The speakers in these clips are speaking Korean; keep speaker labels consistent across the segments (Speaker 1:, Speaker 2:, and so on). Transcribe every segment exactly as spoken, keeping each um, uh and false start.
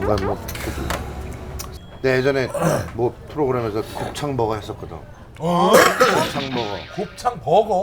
Speaker 1: 내가 뭐 내 예전에 뭐 프로그램에서 곱창버거 했었거든.
Speaker 2: 어?
Speaker 1: 곱창버거.
Speaker 2: 곱창 버거?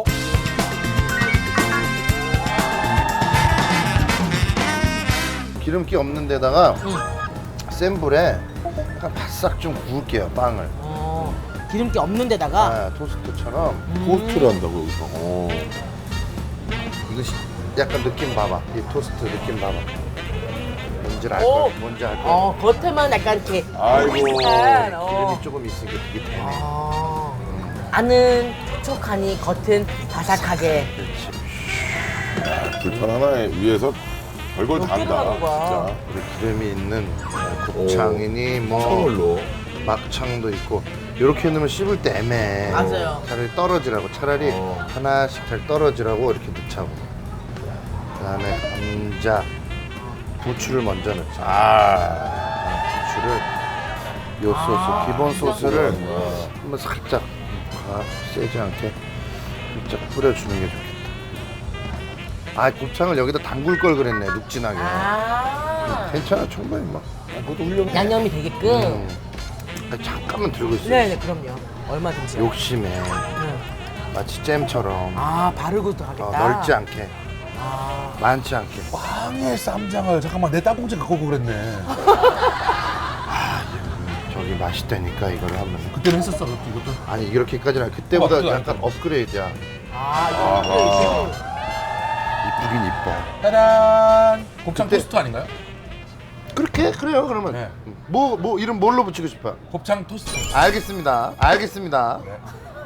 Speaker 1: 기름기 없는 데다가 센 불에 약간 바싹 좀 구울게요, 빵을.
Speaker 3: 어, 기름기 없는 데다가
Speaker 1: 아, 토스트처럼.
Speaker 4: 토스트를 한다고 여기서. 어.
Speaker 1: 이거 시- 약간 느낌 봐봐. 이 토스트 느낌 봐봐. 뭔지 알
Speaker 3: 오.
Speaker 1: 거, 뭔지 알 거.
Speaker 3: 어, 겉에만 약간 이렇게
Speaker 4: 아이고.
Speaker 3: 약간, 어.
Speaker 1: 기름이 조금 있으니까 되게 되네.
Speaker 3: 아, 안은 촉촉하니 겉은 바삭하게.
Speaker 1: 그렇지.
Speaker 4: 불판 하나에 위에서 별걸 다
Speaker 3: 몇 개를
Speaker 4: 한다.
Speaker 3: 하는 거야.
Speaker 4: 진짜.
Speaker 1: 우리 기름이 있는 곱창이니 뭐
Speaker 4: 선물로.
Speaker 1: 막창도 있고 이렇게 넣으면 씹을 때 애매해.
Speaker 3: 맞아요.
Speaker 1: 차라리 떨어지라고 차라리
Speaker 4: 어.
Speaker 1: 하나씩 잘 떨어지라고 이렇게 넣자고. 그다음에 감자, 부추를 먼저 넣자.
Speaker 4: 아.
Speaker 1: 부추를 요 소스 기본 소스를
Speaker 4: 아.
Speaker 1: 한번 살짝 아, 세지 않게 살짝 뿌려주는 게 좋겠다. 아 곱창을 여기다 담글 걸 그랬네 눅진하게.
Speaker 3: 아,
Speaker 1: 괜찮아 충분히 뭐.
Speaker 4: 그것도 훌륭해.
Speaker 3: 양념이 되게끔.
Speaker 1: 음. 아니, 잠깐만 들고 있어.
Speaker 3: 네네, 그럼요. 얼마든지.
Speaker 1: 욕심에
Speaker 3: 네.
Speaker 1: 마치 잼처럼
Speaker 3: 아, 바르고도 하겠다.
Speaker 1: 어, 넓지 않게
Speaker 3: 아,
Speaker 1: 많지 않게.
Speaker 2: 빵에 쌈장을 잠깐만 내 땅콩지 갖고 오고 그랬네.
Speaker 1: 저기 맛있다니까 이걸 하면.
Speaker 2: 그때는 했었어 그것도 이것도.
Speaker 1: 아니 이렇게까지는 아니라 그때보다
Speaker 2: 어, 그거
Speaker 1: 약간
Speaker 2: 아니죠.
Speaker 1: 업그레이드야.
Speaker 3: 아, 이거
Speaker 1: 이쁘긴 이뻐.
Speaker 2: 짜란. 곱창
Speaker 1: 그때-
Speaker 2: 토스트 아닌가요?
Speaker 1: 그렇게 그래요 그러면.
Speaker 2: 네.
Speaker 1: 뭐 뭐 이름 뭘로 붙이고 싶어?
Speaker 2: 곱창 토스트.
Speaker 1: 알겠습니다. 알겠습니다.
Speaker 2: 네.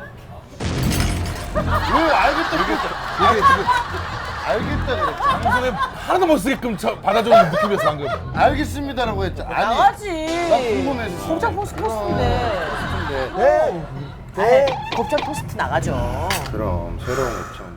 Speaker 1: 왜 알겠다 그랬어? 이게 지금 알겠다 그랬어.
Speaker 2: 방송에 하나도 못 쓰게끔 저 받아주는 느낌이었어 방금.
Speaker 1: 알겠습니다라고 했잖아. 아니
Speaker 3: 나가지.
Speaker 1: 나 궁금해서.
Speaker 3: 곱창 토스트 토스트인데.
Speaker 1: 네.
Speaker 3: 네. 곱창 토스트 나가죠.
Speaker 1: 그럼 새로운 곱창.